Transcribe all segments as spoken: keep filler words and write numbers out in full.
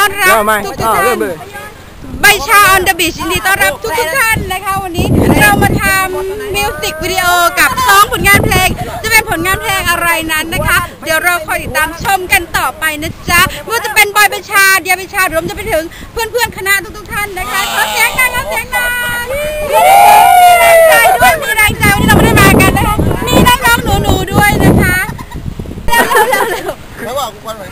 อนรับทุกทุกท่านใบชาออนเดอะบีชยินดีต้อนรับทุกทุกท่านนะคะวันนี้เรามาทำมิวสิกวิดีโอกับสองผลงานเพลงจะเป็นผลงานเพลงอะไรนั้นนะคะเดี๋ยวเราคอยติดตามชมกันต่อไปนะจ๊ะว่าจะเป็นบอยใบชาเดียใบชารวมจะไปถึงเพื่อนเพื่อนคณะทุกทุกท่านนะคะขอเสียงหน่อยขอเสียงหน่อยมีแรงใจด้วยมีแรงใจวันนี้เราไม่ได้มากันนะคะมีน้องๆหนูๆด้วยนะคะเร็วเร็วเร็วไม่ว่ากูควันไหม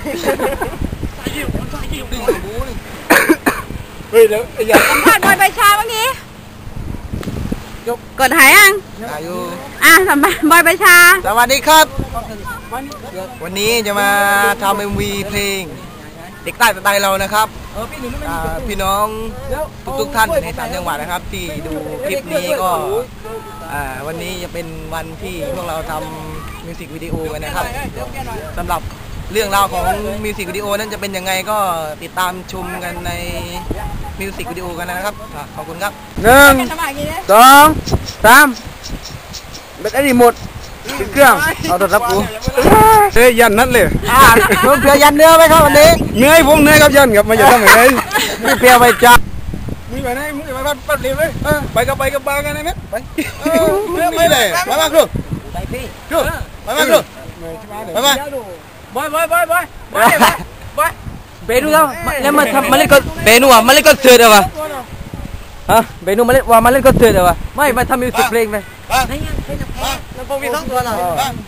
เฮ้ยเดี๋ยวอย่าสัมผัสบอยใบชาบ้างนี้กดหายยังอ่ะสัมผัสบอยใบชาสวัสดีครับวันนี้จะมาทำเอ็มวีเพลงเด็กใต้สไตล์เรานะครับพี่น้องทุกๆท่านในต่างจังหวัดนะครับที่ดูคลิปนี้ก็วันนี้จะเป็นวันที่พวกเราทำมิวสิกวิดีโอกันนะครับสำหรับเรื่องราวของมิวสิกวิดีโอนั้นจะเป็นยังไงก็ติดตามชมกันในมิวสิกวิดีโอกันนะครับขอบคุณครับหนึ่งสองสามแบตเตอรี่หมดเครื่องเอาตัวรับกูเฮ้ยยันนั่นเลยอ่าเพื่อยันเนื้อไหมครับวันนี้เนื้อผมเนื้อครับยันครับมันจะทำยังไงไม่เพียวไปจ้ามีไปไหนมึงไปบ้านปั๊บเร็วเลยไปกับไปกับบางกันไหมไปไม่เลยไปบ้างครูไปพี่ครูไปบ้างครูไปบ้างบอยบอยบอยบอยบอยบอยเบนูแล้วแล้วมาทำมาเล่นก็เบนูอ่ะมาเล่นก็เสือเดี๋ยววะฮะเบนูมาเล่นว่ามาเล่นก็เสือเดี๋ยววะไม่มาทำมิวสิกเพลงเลยแล้วพวกมีท้องตัวหน่อย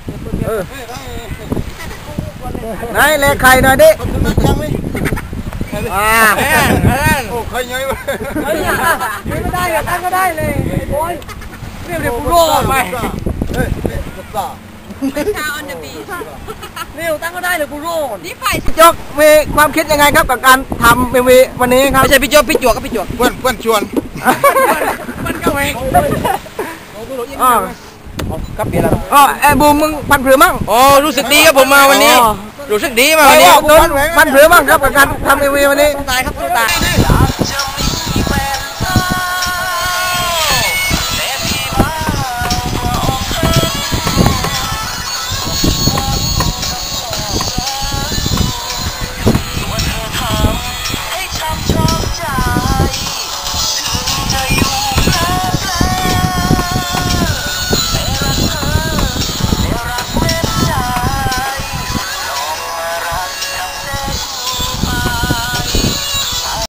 ไหนเล่นใครหน่อยดิอ่าโอ้ใครยังไม่ไม่ได้อะตั้งก็ได้เลยโอ้ยเรียบเรียบกูโร่ไปใบชาออนเดอะบีชเร็วตั้งก็ได้เลยกูโร่นี่ไปยกมีความคิดยังไงครับกับการทำเอ็มวีวันนี้ครับไม่ใช่พี่จวบพี่จวบก็พี่จวบเพื่อนเพื่อนชวนมันก็เองอ๋อครับเบียร์แล้วอ๋อไอ้บูมมึงพันผือมั่งอ๋อรู้สึกดีครับผมมาวันนี้รู้สึกดีมาวันนี้พันผือมั่งครับกับการทำเอ็มวีวันนี้ตายครับตาย